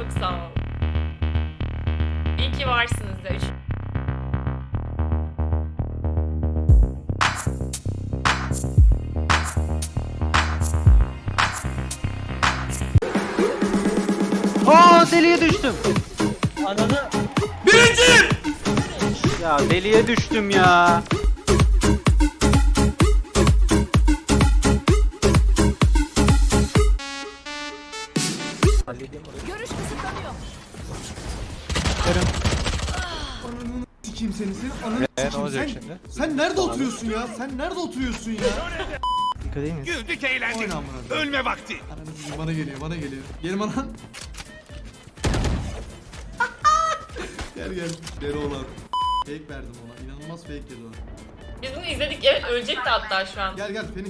Çok sağ ol. İyi ki varsınız da. Aa, deliye düştüm. Ananı. Birinci! Ya deliye düştüm ya. Görüş kısıtlanıyor. Sikeyim seni, senin ananı Ne olacak sen, şimdi? sen nerede oturuyorsun ya? Sen nerede oturuyorsun ya? Dikkat edeyim mi? Güldük eğlendik. Oyna amına. Ölme vakti. Ananı sikeyim, bana geliyor, bana geliyor. Gelin bana. Gel gel. Deli olan. Fake verdim ona. İnanılmaz fake yedi o. Biz bunu izledik. Evet, ölecekti hatta şu an. Gel gel Phoenix.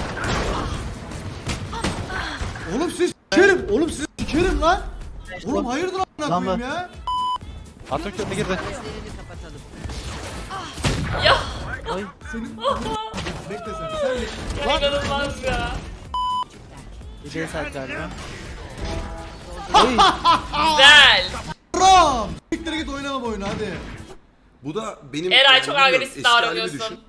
Oğlum siz sikerim. Oğlum siz sikerim lan. Oğlum hayırdır amına Lan koyayım ben- ya? Atatürk önüne girdi. Ya Ay. Senin bekle sen. ya inanılmaz ya. Bir de saat galiba. Güzel. Ram! Siktir git oynama bu oyunu hadi. Bu da benim... Eray çok bilmiyorum, agresif eski halimi davranıyorsun. düşün.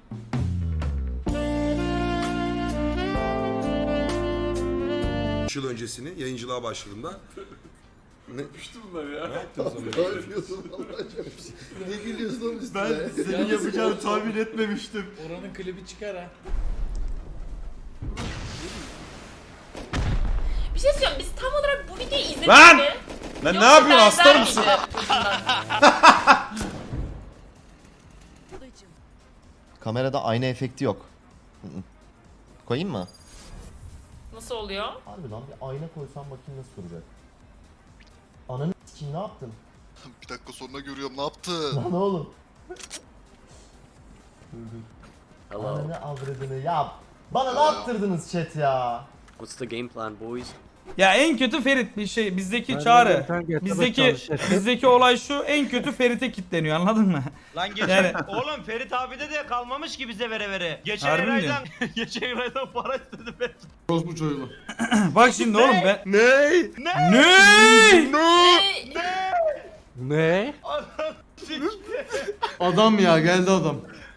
Üç yıl öncesini yayıncılığa başladığımda ne yapmıştım bunlar ya? Ne yaptın sen? Ne yapıyorsun Ne gülüyorsun oğlum üstüne? Ben senin yapacağını tahmin etmemiştim. Oranın klibi çıkar ha. Bir şey söyleyeyim. Biz tam olarak bu videoyu izledik Lan! mi? Lan ne Yoksa yapıyorsun? benzer Aslan mısın? miydi? Kamerada ayna efekti yok. Koyayım mı? Nasıl oluyor? Harbi lan bir ayna koysam bakayım nasıl duracak. Ananı s**eyim, ne yaptın? Bir dakika sonra görüyorum ne yaptın? Lan oğlum. Ananı avradını yap. Bana ne yaptırdınız chat ya? What's the game plan boys? Ya en kötü Ferit bir şey bizdeki çağrı. Bizdeki olay şu, en kötü Ferit'e kilitleniyor, anladın mı? Lan geçen Yani- oğlum Ferit abi de kalmamış ki bize vere vere. Geçen Harbi mi aydan geçen aydan para istedi Ferit. Orospu çocuğu. Bak şimdi oğlum ben... Ney? Ne? Ne? Adam ya geldi adam.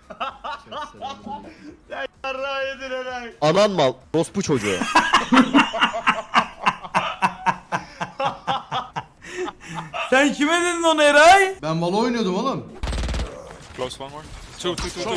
Yarrağı yedin Eray. Anan mal. Rospu çocuğu. Sen kime dedin onu Eray? Ben Valo oynuyordum oğlum. Close one more. Two.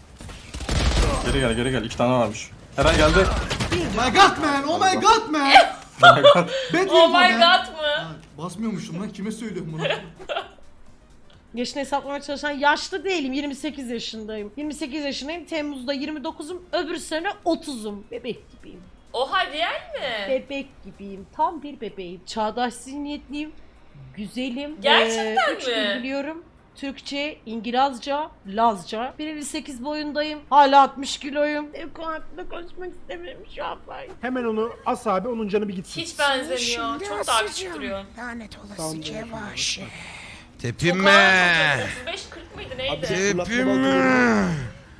Geri gel 2 tane varmış. Eren geldi. My god man, oh my god man. Bad Oh info my man. god mı? Ha, basmıyormuşum lan, kime söylüyorum bunu? Yaşını hesaplamaya çalışan yaşlı değilim. 28 yaşındayım. 28 yaşındayım. Temmuz'da 29'um. Öbür sene 30'um. Bebek gibiyim. Oha real mi? Bebek gibiyim. Tam bir bebeğim. Çağdaş zihniyetliyim. Güzelim. Gerçekten 3 mi? dil biliyorum. Türkçe, İngilizce, Lazca. 1.58 boyundayım. Hala 60 kiloyum. Ev konu hakkında konuşmak istemiyorum şu an ben. Hemen onu as abi, onun canı bir gitsin. Hiç benzemiyor. Çok daha küçük duruyor. Lanet olası Kevaş. Tepinme. 35-40 mıydı neydi? Tepinme.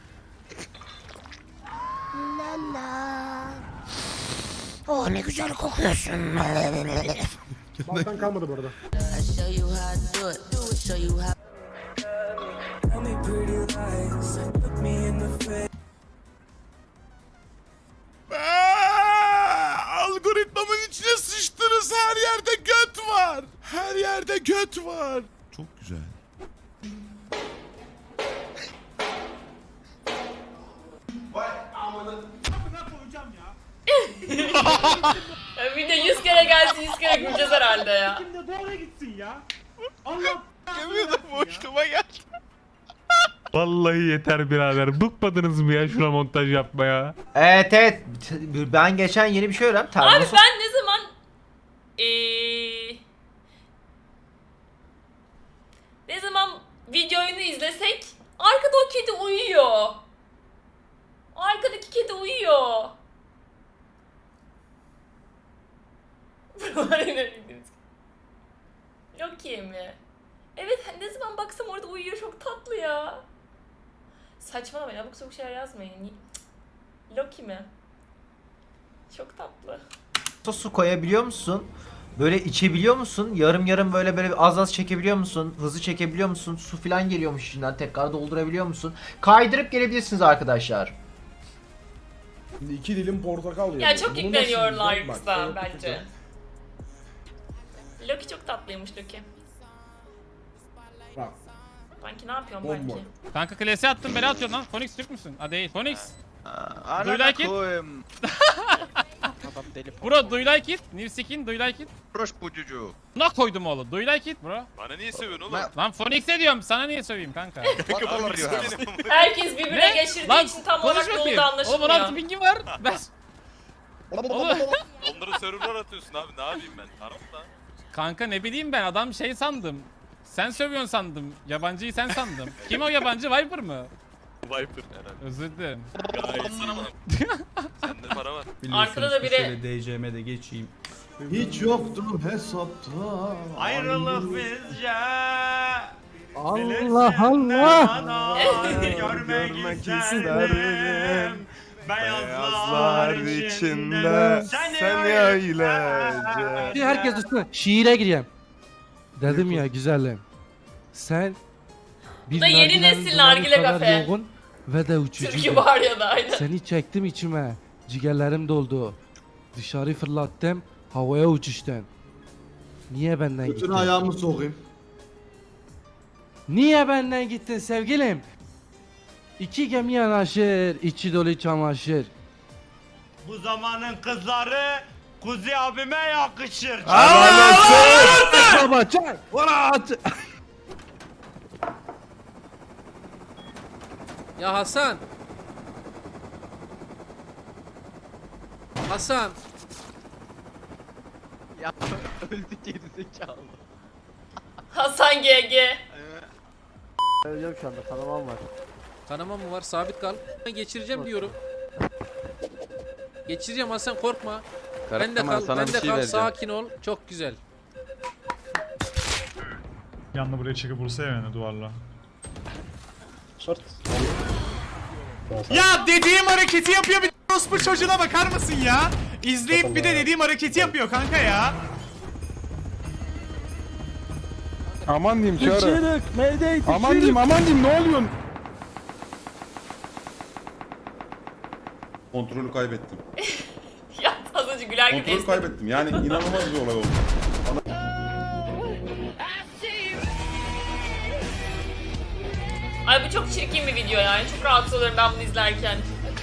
Oh ne güzel kokuyorsun. Balkan kalmadı bu arada. Algoritmamın içine sıçtınız. Her yerde göt var. Her yerde göt var. Çok güzel. Ya bir de 100 kere gelsin 100 kere güleceğiz herhalde ya. Şimdi doğru gitsin ya. Allah. Gemiyordum boşluğuma geldi. Vallahi yeter birader. Bıkmadınız mı ya şuna montaj yapmaya? Evet. Ben geçen yeni bir şey öğrendim. Abi ben ne zaman ne zaman videoyu izlesek arkada o kedi uyuyor. Arkadaki kedi uyuyor. Loki mi? Evet ne zaman baksam orada uyuyor, çok tatlı ya. Saçmalamayın, abuk sabuk şeyler yazmayın. Loki mi? Çok tatlı. Su koyabiliyor musun? Böyle içebiliyor musun? Yarım yarım böyle az az çekebiliyor musun? Hızlı çekebiliyor musun? Su falan geliyormuş içinden. Tekrar doldurabiliyor musun? Kaydırıp gelebilirsiniz arkadaşlar. Şimdi 2 dilim portakal Ya yedim. çok Bunu yükleniyorlar nasıl kısa yiyeceğim? Bak, bence. Loki çok tatlıymış Loki. Bak. Banki ne yapıyorsun Bomba. Banki? Kanka klasiğe attım beni atıyorsun lan. Phoenix Türk müsün? Ha değil. Phoenix. Do you like it? Bro do you like it? New skin do you like it? Proş bu cucu. Ne koydum oğlum? Do you like it bro? Bana niye seviyorsun oğlum? Lan Phoenix'e diyorum sana niye söveyim kanka? Herkes birbirine geçirdiği Lan için tam konuş olarak bakayım. yolda Oğlum anlaşılmıyor. 16 pingim var. Ben... Oğlum. Onları serverlar atıyorsun abi ne yapayım ben? Tarafta. Kanka ne bileyim ben adam şey sandım. Sen sövüyorsun sandım. Yabancıyı sen sandım. Kim o yabancı? Viper mı? Viper herhalde. Özür dilerim. Gayet sana bana. Sende para var. Arkada da biri DC'me de geçeyim. Hiç yoktum hesapta. Ayrılık bizce. Allah Allah. Görmek isterim. Beyazlar içinde seni öylece. Herkes üstüne şiire gireyim. Dedim ya güzelim. Sen bir Bu da yeni nargilenin nesil dumanı nargile kadar kafe. yoğun ve de Türkü uçucu. var ya da aynen. Seni çektim içime. Ciğerlerim doldu. Dışarı fırlattım. Havaya uçuştun. Niye benden Bütün gittin? ayağımı sokayım. Niye benden gittin sevgilim? İki gemi yanaşır, içi dolu çamaşır. Bu zamanın kızları Kuzi abime yakışır. Baba çay! Vara at! Ya Hasan. Hasan. Hasan GG. Öleceğim şu anda, kanamam var. Kanama mı var? Sabit kal. Ben geçireceğim diyorum. Geçireceğim Hasan korkma. Ben de kal, ben de kal. Sakin ol. Çok güzel. Yanına buraya çekip vursa ya yani duvarla. Ya dediğim hareketi yapıyor bir orospu çocuğuna bakar mısın ya? İzleyip bir de dediğim hareketi yapıyor kanka ya. Aman diyeyim çağrı. Aman diyeyim ne oluyorsun? Kontrolü kaybettim. Ya az önce güler gibi Kontrolü kaybettim. Yani inanılmaz bir olay oldu. Ay bu çok çirkin bir video yani. Çok rahatsız oluyorum ben bunu izlerken.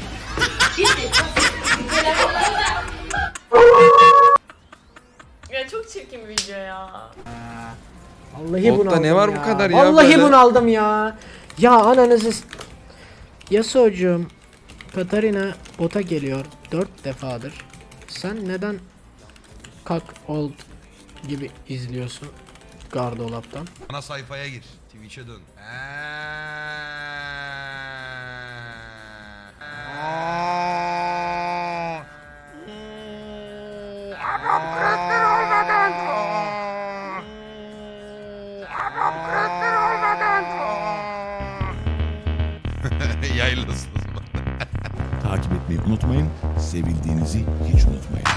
Ya çok çirkin bir video ya. Vallahi bunu aldım ne var bu kadar ya? Vallahi bunu aldım ya. Ya ananızı... Yasuo'cum, Katarina bota geliyor 4 defadır. Sen neden kak old gibi izliyorsun gardolaptan? Ana sayfaya gir. Twitch'e dön. Yayınlasın o zaman. Takip etmeyi unutmayın. Sevildiğinizi hiç unutmayın.